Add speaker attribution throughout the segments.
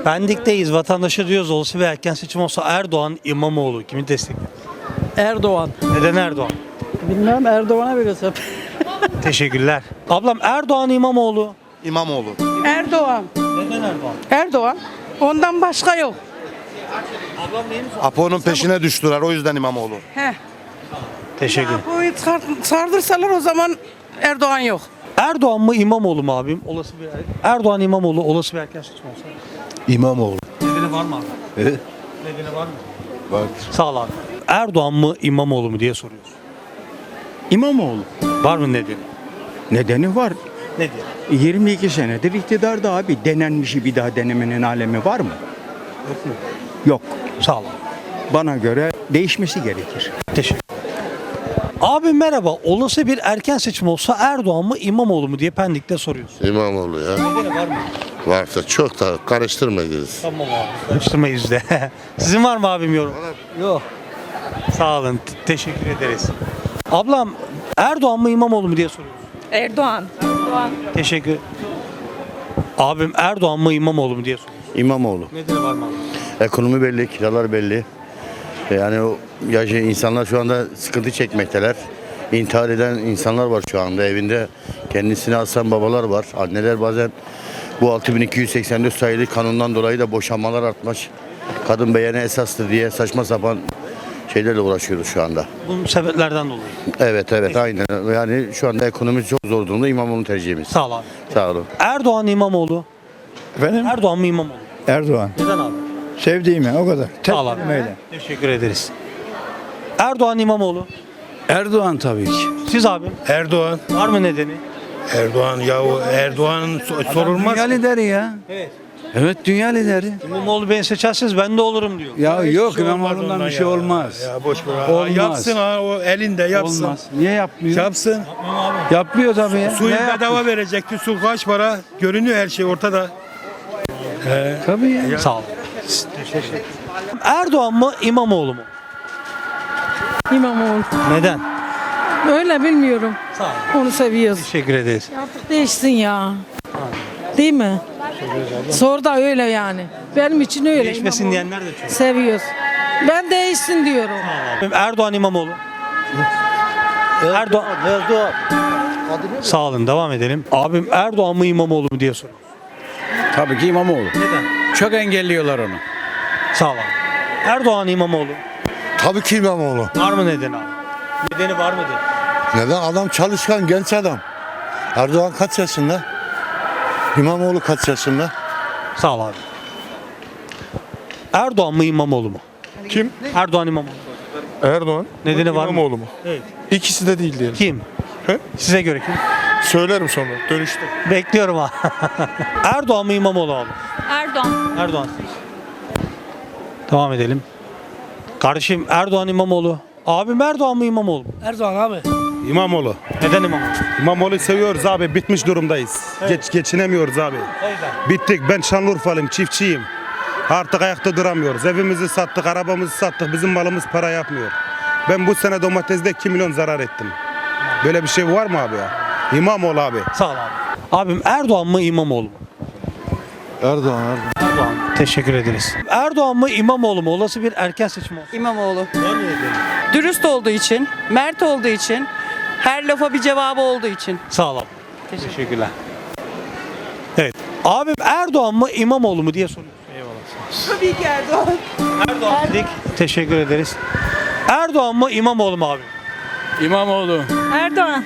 Speaker 1: Pendik'teyiz. Vatandaşa diyoruz olsa bir erken seçim olsa Erdoğan, İmamoğlu kimi destekler?
Speaker 2: Erdoğan.
Speaker 1: Neden Erdoğan?
Speaker 2: Bilmem Erdoğan'a verirsem.
Speaker 1: Teşekkürler. Ablam Erdoğan, İmamoğlu.
Speaker 3: İmamoğlu.
Speaker 4: Erdoğan.
Speaker 1: Neden Erdoğan?
Speaker 4: Erdoğan. Ondan başka yok.
Speaker 1: Ablam neyini sor?
Speaker 3: Apo'nun peşine düştüler, o yüzden İmamoğlu.
Speaker 4: Heh.
Speaker 1: Teşekkür.
Speaker 4: Apo'yu sardırsalar o zaman Erdoğan yok.
Speaker 1: Erdoğan mı İmamoğlu mu abim? Olası bir Erdoğan, İmamoğlu olası bir erken seçim olsa.
Speaker 3: İmamoğlu.
Speaker 1: Nedeni var mı abi?
Speaker 3: Evet.
Speaker 1: Nedeni var mı?
Speaker 3: Var.
Speaker 1: Sağ ol abi. Erdoğan mı İmamoğlu mu diye soruyoruz.
Speaker 5: İmamoğlu.
Speaker 1: Var mı nedeni?
Speaker 5: Nedeni var.
Speaker 1: Ne diye?
Speaker 5: 22 senedir iktidarda abi. Denenmişi bir daha denemenin alemi var mı?
Speaker 1: Yok mu?
Speaker 5: Yok.
Speaker 1: Sağ ol abi.
Speaker 5: Bana göre değişmesi gerekir.
Speaker 1: Teşekkür. Abi merhaba. Olası bir erken seçim olsa Erdoğan mı İmamoğlu mu diye Pendik'te soruyoruz.
Speaker 6: İmamoğlu ya.
Speaker 1: Nedeni var mı?
Speaker 6: Varsa çok da karıştırmayız.
Speaker 1: Tamam abi. Karıştırmayız de. Sizin var mı abim yorum? Yok. Sağ olun. Teşekkür ederiz. Ablam Erdoğan mı İmamoğlu mu diye soruyoruz.
Speaker 7: Erdoğan.
Speaker 1: Teşekkür. Abim Erdoğan mı İmamoğlu mu diye soruyoruz.
Speaker 8: İmamoğlu.
Speaker 1: Nedeni var mı abi?
Speaker 8: Ekonomi belli, kiralar belli. Yani o insanlar şu anda sıkıntı çekmekteler. İntihar eden insanlar var şu anda evinde. Kendisini asan babalar var. Anneler bazen bu 6284 sayılı kanundan dolayı da boşanmalar artmış. Kadın beğeni esastır diye saçma sapan şeylerle uğraşıyoruz şu anda.
Speaker 1: Bu sebeplerden dolayı.
Speaker 8: Evet aynen. Yani şu anda ekonomi çok zor durumda. İmamoğlu tercihimiz.
Speaker 1: Sağ ol abi.
Speaker 8: Sağ olun.
Speaker 1: Erdoğan İmamoğlu.
Speaker 9: Efendim?
Speaker 1: Erdoğan mı İmamoğlu?
Speaker 9: Erdoğan.
Speaker 1: Neden abi?
Speaker 9: Sevdiğime o kadar. Tek
Speaker 1: Sağ ol abi.
Speaker 9: kelimeyle.
Speaker 1: Teşekkür ederiz. Erdoğan İmamoğlu.
Speaker 9: Erdoğan tabii ki.
Speaker 1: Siz abi
Speaker 10: Erdoğan.
Speaker 1: var mı nedeni?
Speaker 10: Erdoğan ya o Erdoğan'ın sorulmaz.
Speaker 9: Dünya lideri ya.
Speaker 1: Evet.
Speaker 9: Evet dünya lideri.
Speaker 1: İmamoğlu beni seçerseniz ben de olurum diyor.
Speaker 9: Ya yok
Speaker 10: şey olmaz
Speaker 9: İmamoğlu'ndan
Speaker 10: ondan
Speaker 9: bir şey
Speaker 10: ya.
Speaker 9: olmaz.
Speaker 10: Ya boş ver.
Speaker 9: Olmaz.
Speaker 10: Yapsın ha o elinde yapsın.
Speaker 9: Olmaz. Niye yapmıyor?
Speaker 10: Yapsın.
Speaker 9: Yapmıyor tabii ya.
Speaker 10: Suyu
Speaker 9: Ne yapıyor?
Speaker 10: bedava verecekti. Su kaç para? Görünüyor her şey ortada.
Speaker 9: Tabii ya.
Speaker 1: Sağ ol. Erdoğan mı İmamoğlu mu?
Speaker 4: İmamoğlu.
Speaker 1: Neden?
Speaker 4: Öyle bilmiyorum.
Speaker 1: Sağ ol.
Speaker 4: Onu seviyoruz.
Speaker 1: Teşekkür ederiz.
Speaker 4: Artık değişsin ya. Değil mi? Sor da öyle yani. Benim için öyle.
Speaker 1: Değişmesin
Speaker 4: İmamoğlu.
Speaker 1: diyenler de çok.
Speaker 4: Seviyoruz. Ben değişsin diyorum.
Speaker 1: Erdoğan İmamoğlu. Erdoğan. Sağ olun devam edelim. Abim Erdoğan mı İmamoğlu mu diye soruyor.
Speaker 9: Tabii ki İmamoğlu.
Speaker 1: Neden?
Speaker 9: Çok engelliyorlar onu.
Speaker 1: Sağ ol abi. Erdoğan İmamoğlu.
Speaker 3: Tabii ki İmamoğlu.
Speaker 1: Var mı nedeni abi? Nedeni var mıdır?
Speaker 3: Neden? Adam çalışkan, genç adam. Erdoğan kaç yaşında? İmamoğlu kaç yaşında?
Speaker 1: Sağ ol abi. Erdoğan mı İmamoğlu mu?
Speaker 10: Kim?
Speaker 1: Erdoğan İmamoğlu.
Speaker 10: Erdoğan.
Speaker 1: Nedeni var mı?
Speaker 10: İmamoğlu mu?
Speaker 1: Evet.
Speaker 10: İkisi de değil diyelim.
Speaker 1: Kim?
Speaker 10: He?
Speaker 1: Size göre kim?
Speaker 10: Söylerim sonra dönüşte.
Speaker 1: Bekliyorum ha. Erdoğan mı İmamoğlu abi?
Speaker 7: Erdoğan.
Speaker 1: Erdoğan. Devam edelim. Kardeşim Erdoğan İmamoğlu. Abim Erdoğan mı İmamoğlu mu?
Speaker 4: Erdoğan abi.
Speaker 10: İmamoğlu.
Speaker 1: Neden İmamoğlu?
Speaker 10: İmamoğlu seviyoruz abi. Bitmiş durumdayız. Geçinemiyoruz abi. Bittik. Ben Şanlıurfalıyım. Çiftçiyim. Artık ayakta duramıyoruz. Evimizi sattık, arabamızı sattık. Bizim malımız para yapmıyor. Ben bu sene domatesde 2 milyon zarar ettim. Böyle bir şey var mı abi ya? İmamoğlu abi.
Speaker 1: Sağ ol abi. Abim Erdoğan mı İmamoğlu mu?
Speaker 3: Erdoğan.
Speaker 1: Erdoğan. Teşekkür ederiz. Erdoğan mı İmamoğlu mu? Olası bir erken seçim olsun.
Speaker 2: İmamoğlu. Dürüst olduğu için, mert olduğu için, her lafa bir cevabı olduğu için.
Speaker 1: Sağ ol abi. Teşekkürler. Evet. Abim Erdoğan mı İmamoğlu mu diye soruyoruz.
Speaker 2: Tabii ki Erdoğan.
Speaker 1: Erdoğan dedik. Teşekkür ederiz. Erdoğan mı İmamoğlu mu abi?
Speaker 9: İmamoğlu.
Speaker 7: Erdoğan.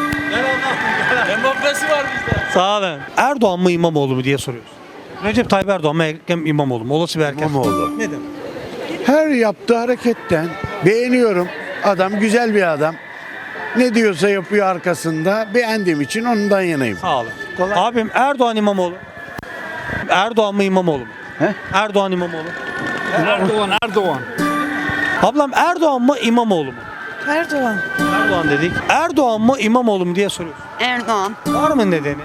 Speaker 9: Demokrasi var bizde.
Speaker 1: Sağ olun. Erdoğan mı İmamoğlu mu diye soruyoruz. Recep Tayyip Erdoğan mı Ekrem İmamoğlu mu? Olası bir erken.
Speaker 3: İmamoğlu.
Speaker 1: Neden?
Speaker 9: Her yaptığı hareketten beğeniyorum. Adam güzel bir adam. Ne diyorsa yapıyor arkasında. Beğendiğim için ondan yanayım.
Speaker 1: Sağ olun. Abim Erdoğan İmamoğlu. Erdoğan mı İmamoğlu mu?
Speaker 9: He?
Speaker 1: Erdoğan İmamoğlu.
Speaker 9: Erdoğan.
Speaker 1: Ablam Erdoğan mı İmamoğlu mu?
Speaker 4: Erdoğan.
Speaker 1: Erdoğan dedik. Erdoğan mı İmamoğlu mu diye soruyoruz.
Speaker 7: Erdoğan.
Speaker 1: Var mı nedeni?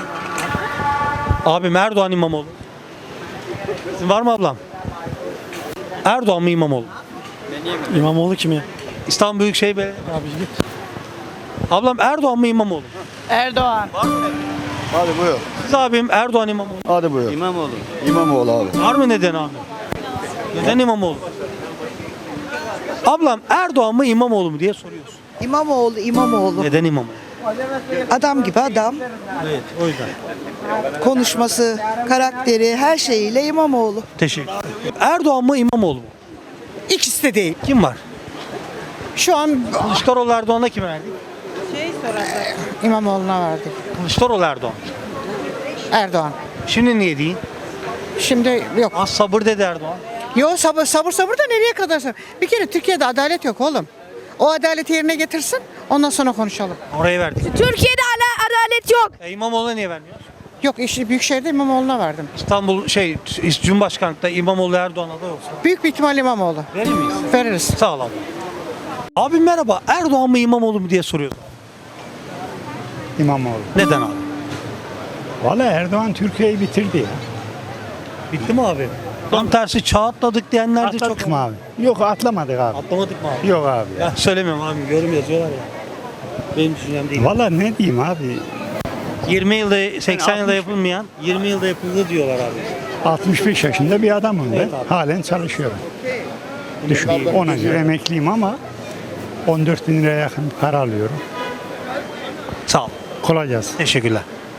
Speaker 1: Abim Erdoğan İmamoğlu. Sizin var mı ablam? Erdoğan mı İmamoğlu?
Speaker 2: İmamoğlu kim ya?
Speaker 1: İstanbul Büyükşehir Belediye. Ablam Erdoğan mı İmamoğlu?
Speaker 4: Erdoğan.
Speaker 3: Hadi buyur.
Speaker 1: Siz abim Erdoğan İmamoğlu.
Speaker 3: Hadi buyur. İmamoğlu abi.
Speaker 1: Var mı neden abi? Neden İmamoğlu? Ablam Erdoğan mı İmamoğlu mu diye soruyorsun.
Speaker 2: İmamoğlu.
Speaker 1: Neden İmamoğlu?
Speaker 2: Adam gibi adam.
Speaker 1: Evet o yüzden.
Speaker 2: Konuşması, karakteri, her şeyiyle İmamoğlu.
Speaker 1: Teşekkür ederim. Erdoğan mı İmamoğlu mu?
Speaker 2: İkisi de değil.
Speaker 1: Kim var?
Speaker 2: Şu an
Speaker 1: Kılıçdaroğlu Erdoğan'a kime verdik?
Speaker 2: İmamoğlu'na verdik.
Speaker 1: Kılıçdaroğlu Erdoğan.
Speaker 2: Erdoğan.
Speaker 1: Şimdi niye değil?
Speaker 2: Şimdi yok.
Speaker 1: Az sabır dedi Erdoğan.
Speaker 2: Yok sabır da nereye kadar? Bir kere Türkiye'de adalet yok oğlum. O adaleti yerine getirsin. Ondan sonra konuşalım.
Speaker 1: Oraya verdik.
Speaker 7: Türkiye'de adalet yok.
Speaker 1: İmamoğlu'na niye vermiyor?
Speaker 2: Yok işte Büyükşehir'de İmamoğlu'na verdim.
Speaker 1: İstanbul Cumhurbaşkanlıkta İmamoğlu Erdoğan aday olsa
Speaker 2: Büyük bir ihtimal İmamoğlu.
Speaker 1: verir miyiz?
Speaker 2: Veririz.
Speaker 1: Sağ ol abi. Abi merhaba. Erdoğan mı İmamoğlu mu diye soruyoruz.
Speaker 5: İmamoğlu.
Speaker 1: Neden abi?
Speaker 5: Vallahi Erdoğan Türkiye'yi bitirdi ya.
Speaker 1: Bitti mi abi? Tam tersi çağ atladık diyenler de çok.
Speaker 5: Atladık mı abi? Yok atlamadık abi.
Speaker 1: Atlamadık mı abi?
Speaker 5: Yok abi ya.
Speaker 1: Ya söylemiyorum abi. Yorum yazıyorlar ya. Benim düşüncem değil.
Speaker 5: Vallahi ne diyeyim abi?
Speaker 1: 20 yılda 80 yılda yapılmayan 20 yılda yapıldı diyorlar abi.
Speaker 5: 65 yaşında bir adamım ben.
Speaker 1: Evet abi.
Speaker 5: Halen çalışıyorum. Düşün. Ona göre emekliyim ama 14 bin liraya yakın para alıyorum.
Speaker 1: Sağ ol.
Speaker 5: Kolay gelsin.
Speaker 1: Teşekkürler.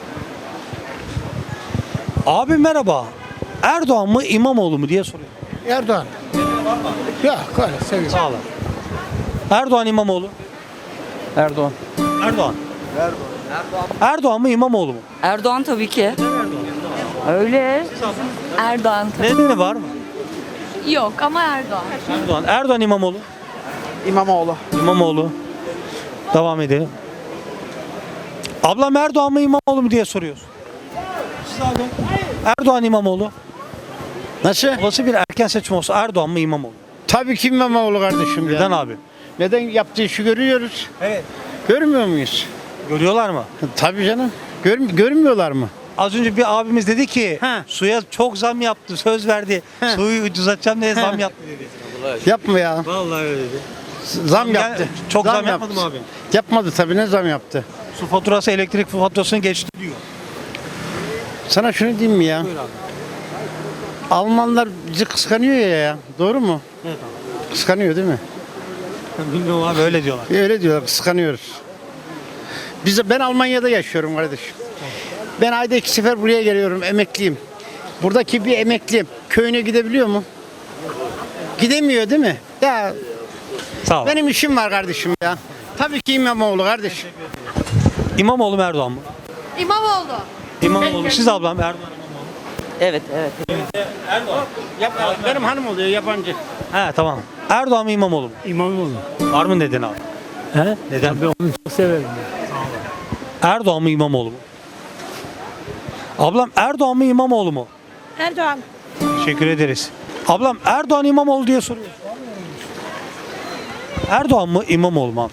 Speaker 1: Abi merhaba. Erdoğan mı İmamoğlu mu diye soruyor.
Speaker 9: Erdoğan. Ya öyle seviyorum.
Speaker 1: Sağ olun. Erdoğan İmamoğlu.
Speaker 2: Erdoğan.
Speaker 1: Erdoğan. Erdoğan mı İmamoğlu mu?
Speaker 7: Erdoğan tabii ki. Öyle. Erdoğan.
Speaker 1: Nedeni var mı?
Speaker 7: Yok ama Erdoğan.
Speaker 1: Erdoğan. Erdoğan İmamoğlu.
Speaker 2: İmamoğlu.
Speaker 1: İmamoğlu. Devam edelim. Ablam Erdoğan mı İmamoğlu mu diye soruyorsun. Siz abi. Erdoğan İmamoğlu.
Speaker 9: Nasıl?
Speaker 1: Olası bir erken seçim olsa Erdoğan mı İmamoğlu?
Speaker 9: Tabii ki İmamoğlu kardeşim
Speaker 1: Neden abi?
Speaker 9: Neden yaptığı işi görüyoruz?
Speaker 1: Evet.
Speaker 9: Görmüyor muyuz?
Speaker 1: Görüyorlar mı?
Speaker 9: Tabii canım. Görmüyorlar mı?
Speaker 1: Az önce bir abimiz dedi ki
Speaker 9: He.
Speaker 1: suya çok zam yaptı, söz verdi.
Speaker 9: He.
Speaker 1: Suyu ucuzlatacağım diye zam yaptı dedi.
Speaker 9: Yapma ya.
Speaker 1: Vallahi öyle dedi.
Speaker 9: Zam yaptı.
Speaker 1: Çok zam yapmadı mı abi?
Speaker 9: Yapmadı tabii, ne zam yaptı?
Speaker 1: Su faturası, elektrik faturasını geçti diyor.
Speaker 9: Sana şunu diyeyim mi ya?
Speaker 1: Buyur abi.
Speaker 9: Almanlar bizi kıskanıyor ya. Doğru mu?
Speaker 1: Evet
Speaker 9: Kıskanıyor değil mi?
Speaker 1: abi. Bilmiyorum abi öyle diyorlar.
Speaker 9: Öyle diyorlar, kıskanıyoruz. Ben Almanya'da yaşıyorum kardeşim. Ben ayda 2 sefer buraya geliyorum, emekliyim. Buradaki bir emekli köyüne gidebiliyor mu? Gidemiyor değil mi? Ya
Speaker 1: Sağ ol.
Speaker 9: benim işim var kardeşim ya. Tabii ki İmamoğlu kardeşim.
Speaker 1: İmamoğlu mu Erdoğan mı?
Speaker 7: İmamoğlu.
Speaker 1: İmamoğlu. Siz ablam Erdoğan İmamoğlu.
Speaker 2: Evet.
Speaker 9: Benim hanım oluyor, yabancı.
Speaker 1: He tamam. Erdoğan mı İmamoğlu mu?
Speaker 5: İmamoğlu.
Speaker 1: Var mı neden abi?
Speaker 5: He?
Speaker 1: Neden?
Speaker 5: Ben onu çok severim.
Speaker 1: Erdoğan mı İmamoğlu mu? Ablam Erdoğan mı İmamoğlu mu?
Speaker 7: Erdoğan.
Speaker 1: Teşekkür ederiz. Ablam Erdoğan İmamoğlu diye soruyor. Erdoğan mı İmamoğlu mu abi?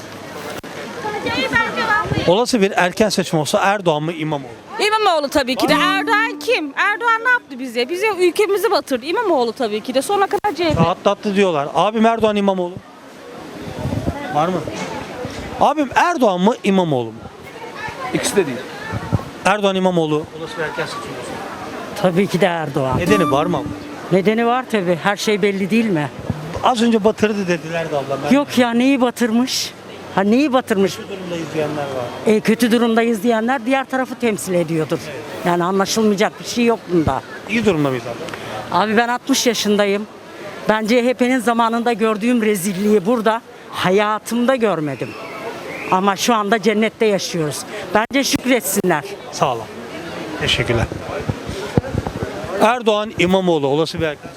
Speaker 1: Olası bir erken seçim olsa Erdoğan mı İmamoğlu?
Speaker 7: İmamoğlu tabii ki de. Erdoğan kim? Erdoğan ne yaptı bize? Bize ülkemizi batırdı. İmamoğlu tabii ki de. Sonuna kadar CHP.
Speaker 1: Rahatlattı diyorlar. Abim Erdoğan İmamoğlu. Var mı? Abim Erdoğan mı İmamoğlu mu?
Speaker 2: İkisi de değil.
Speaker 1: Erdoğan İmamoğlu. Olası bir erken seçim olsa.
Speaker 2: Tabii ki de Erdoğan.
Speaker 1: Nedeni var mı abla?
Speaker 2: Nedeni var tabii. Her şey belli değil mi?
Speaker 1: Az önce batırdı dediler de ablam. Ben
Speaker 2: Yok ya neyi batırmış? Ha neyi batırmış?
Speaker 1: kötü durumdayız diyenler var.
Speaker 2: Kötü durumdayız diyenler diğer tarafı temsil ediyordur. Yani anlaşılmayacak bir şey yok bunda.
Speaker 1: İyi durumda mıyız abla?
Speaker 2: Abi ben 60 yaşındayım. Ben CHP'nin zamanında gördüğüm rezilliği burada hayatımda görmedim. Ama şu anda cennette yaşıyoruz. Bence şükretsinler.
Speaker 1: Sağ olun. Teşekkürler. Erdoğan İmamoğlu olası bir erken.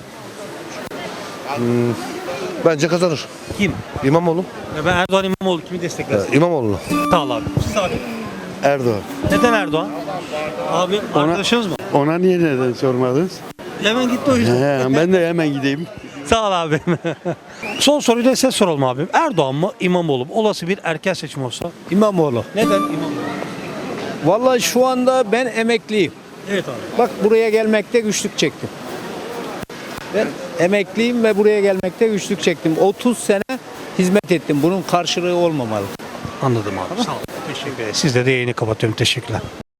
Speaker 3: Bence kazanır.
Speaker 1: Kim?
Speaker 3: İmamoğlu.
Speaker 1: Ya ben Erdoğan İmamoğlu kimi desteklersin?
Speaker 3: İmamoğlu.
Speaker 1: Sağ ol abi. Siz abi.
Speaker 3: Erdoğan.
Speaker 1: Neden Erdoğan? Abi arkadaşınız mı?
Speaker 9: Ona niye neden sormadınız?
Speaker 1: Hemen gitti o yüzden.
Speaker 9: Ben de hemen gideyim.
Speaker 1: Sağ ol abi. Son soruyu da size soralım abim. Erdoğan mı İmamoğlu mu? Olası bir erken seçim olsa.
Speaker 11: İmamoğlu.
Speaker 1: Neden İmamoğlu?
Speaker 11: Vallahi şu anda ben emekliyim.
Speaker 1: Evet abi.
Speaker 11: Bak buraya gelmekte güçlük çektim. Ben emekliyim ve buraya gelmekte güçlük çektim. 30 sene hizmet ettim. Bunun karşılığı olmamalı.
Speaker 1: Anladım abi. Sağ olun. Teşekkür ederim. Sizle de yayını kapatıyorum. Teşekkürler.